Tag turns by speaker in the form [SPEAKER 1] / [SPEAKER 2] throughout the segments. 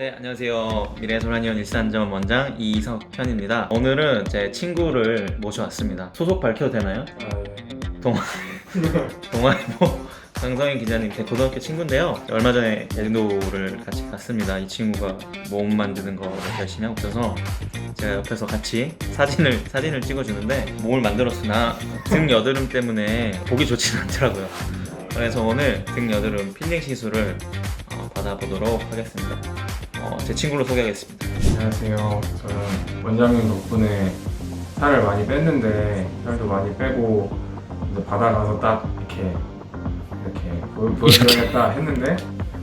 [SPEAKER 1] 네, 안녕하세요. 미래소라니온 일산점 원장 이석현입니다. 오늘은 제 친구를 모셔왔습니다. 소속 밝혀도 되나요? 동아일보 강성인 기자님 제 고등학교 친구인데요. 얼마 전에 제주도를 같이 갔습니다. 이 친구가 몸 만드는 거 열심히 하고 있어서 제가 옆에서 같이 사진을 찍어주는데 몸을 만들었으나 등 여드름 때문에 보기 좋지는 않더라고요. 그래서 오늘 등 여드름 필링 시술을 받아보도록 하겠습니다. 제 친구를 소개하겠습니다.
[SPEAKER 2] 안녕하세요. 저는 원장님 덕분에 살을 많이 뺐는데 살도 많이 빼고 이제 바다 가서 딱 이렇게 보여드려야겠다 했는데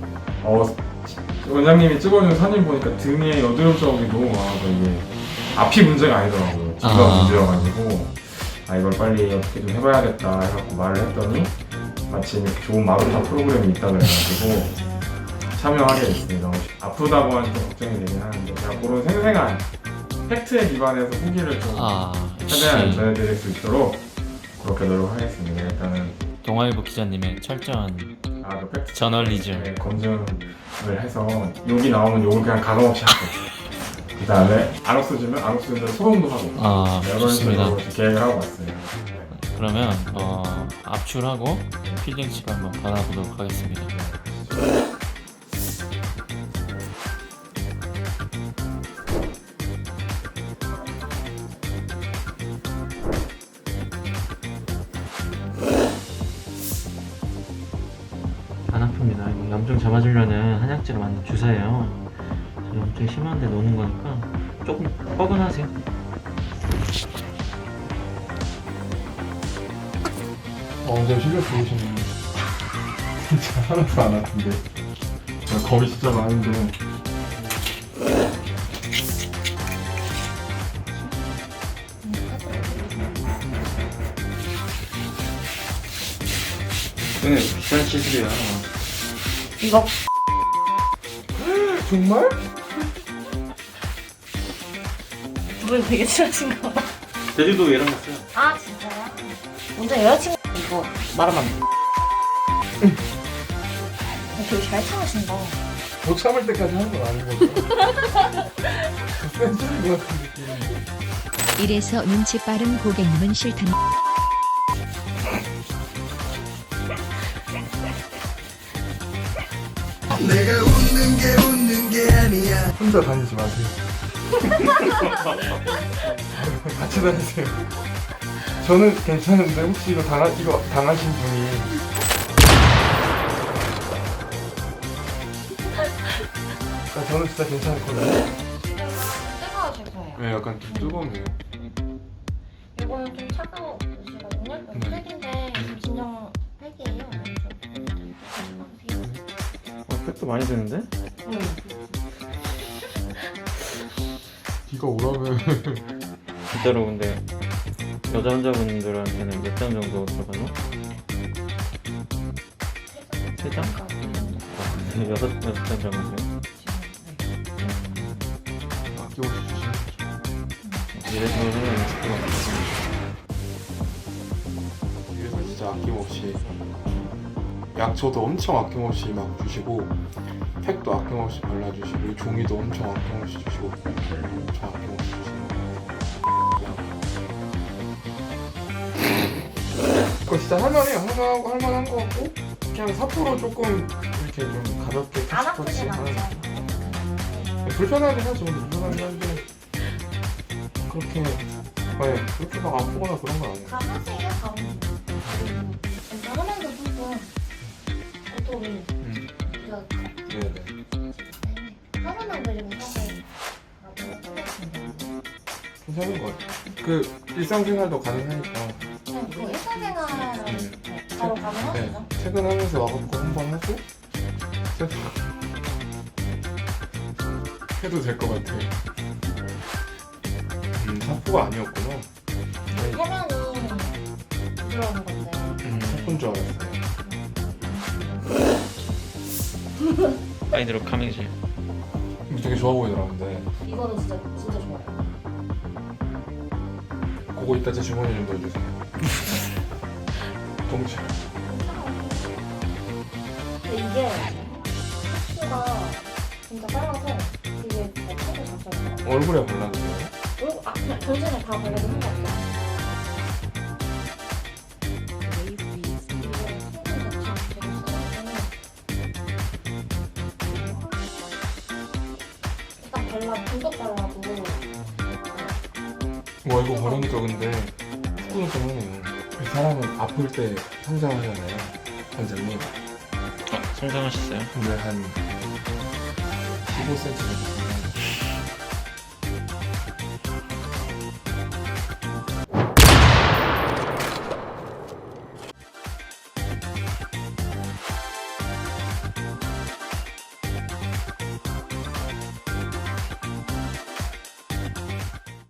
[SPEAKER 2] 원장님이 찍어준 사진 보니까 등에 여드름 자국이 너무 많아서 이게 앞이 문제가 아니더라고요. 뒤가 문제여가지고 이걸 빨리 어떻게 좀 해봐야겠다 해갖고 말을 했더니 마침 이렇게 좋은 마루타 프로그램이 있다 그래가지고 참여하게 됐습니다. 아프다고 하니 좀 걱정이 되긴 하는데 제가 그런 생생한 팩트에 기반해서 후기를 좀 최대한 전해드릴 수 있도록 그렇게 노력하겠습니다. 일단은
[SPEAKER 1] 동아일보 기자님의 철저한
[SPEAKER 2] 그 팩트
[SPEAKER 1] 저널리즘
[SPEAKER 2] 검증을 해서 욕이 나오면 욕을 그냥 가감없이 하고 그 다음에 안 없어지면 안 없어지면 소송도 하고 이런 식으로 계획을 하고 왔어요.
[SPEAKER 1] 그러면 압출하고 필링치를 한번 받아보도록 하겠습니다. 안 아픕니다. 이거 염증 잡아주려는 한약재로 만든 주사예요. 염증이 심한데 놓는 거니까 조금 뻐근하세요.
[SPEAKER 2] 근데 실력 좋으시네. 진짜 하나도 안 아픈데. 겁이 진짜 많은데.
[SPEAKER 1] 그냥 비싼 시술이야.
[SPEAKER 3] 이거
[SPEAKER 2] 정말?
[SPEAKER 3] 두 분 되게 친하신가 봐.
[SPEAKER 1] 제주도 얘랑 갔어요.
[SPEAKER 3] 아 진짜요? 먼저 여자친구 이거 말하면 안 돼. 되게 잘 참으신다.
[SPEAKER 2] 못 참을 때까지 하는 건 아닌 거죠. 센 소리 것 같은 느낌.
[SPEAKER 4] 이래서 눈치 빠른 고객님은 싫다.
[SPEAKER 5] 내가 웃는 게 아니야.
[SPEAKER 2] 혼자 다니지 마세요. 같이 다니세요. 저는 괜찮은데 혹시 이거 당하신 분이 저는 진짜 괜찮거든요.
[SPEAKER 3] 뜨거워질 거예요.
[SPEAKER 2] 네, 약간 좀 뜨겁네요.
[SPEAKER 3] 이거는 좀 차가우시거든요. 팩인데 진정 팩이에요.
[SPEAKER 1] 팩도 많이 드는데?
[SPEAKER 3] 응.
[SPEAKER 2] 비가 오라면
[SPEAKER 1] 진짜로 근데 여자 환자분들한테는 몇 장 정도 들어가나? 3장? 여섯 장 정도요?
[SPEAKER 2] 아껴서 주시면 좋죠.
[SPEAKER 1] 이래서 생각이 있을 것 같아요.
[SPEAKER 6] 그래서 진짜 아낌없이 약초도 엄청 아낌없이 막 주시고 팩도 아낌없이 발라주시고 종이도 엄청 아낌없이 주시고 엄청 아낌없이 주시고
[SPEAKER 2] 그거 진짜 할만해요. 할만한 거 같고 그냥 사포로 조금 이렇게 좀 가볍게
[SPEAKER 3] 안
[SPEAKER 2] 터치터치
[SPEAKER 3] 아프진
[SPEAKER 2] 하는
[SPEAKER 3] 않죠.
[SPEAKER 2] 불편하긴 하죠. 불편하긴 한데 그렇게 그렇게 막 아프거나 그런 건 아니에요.
[SPEAKER 3] 가보세요, 가보세요. 일단 하면서 조금 고통이
[SPEAKER 6] 네네.
[SPEAKER 3] 하루만 그리고 사실
[SPEAKER 2] 괜찮은 것 같아요. 그 일상생활도 가능하니까
[SPEAKER 3] 그냥 그 일상생활 바로 가능하시죠?
[SPEAKER 2] 퇴근하면서 와갖고 한 번 하고 해도 될 것 같아요. 사포가 아니었구나.
[SPEAKER 3] 해면이 부드러운 건데
[SPEAKER 2] 사포인 줄 알았어요.
[SPEAKER 1] 파이드로 카밍질.
[SPEAKER 2] 되게 좋아 보이더라고요.
[SPEAKER 3] 이거는 진짜 좋아요.
[SPEAKER 2] 그거 이따 제 주머니에 좀 넣어주세요. 동시에.
[SPEAKER 3] 근데 이게 흡수가 진짜 빨라서 되게 잘 타고 갔어요.
[SPEAKER 6] 얼굴에 발라주세요.
[SPEAKER 3] 그리고 그냥 전신에 다 발라도 상관없어요. 일단 발라 분석 발라도
[SPEAKER 6] 와 이거 바르니까 근데 후끈후끈하네요. 이 사람은 아플 때 성장하잖아요. 원장님.
[SPEAKER 1] 성장하셨어요?
[SPEAKER 6] 근데 한 15cm 정도.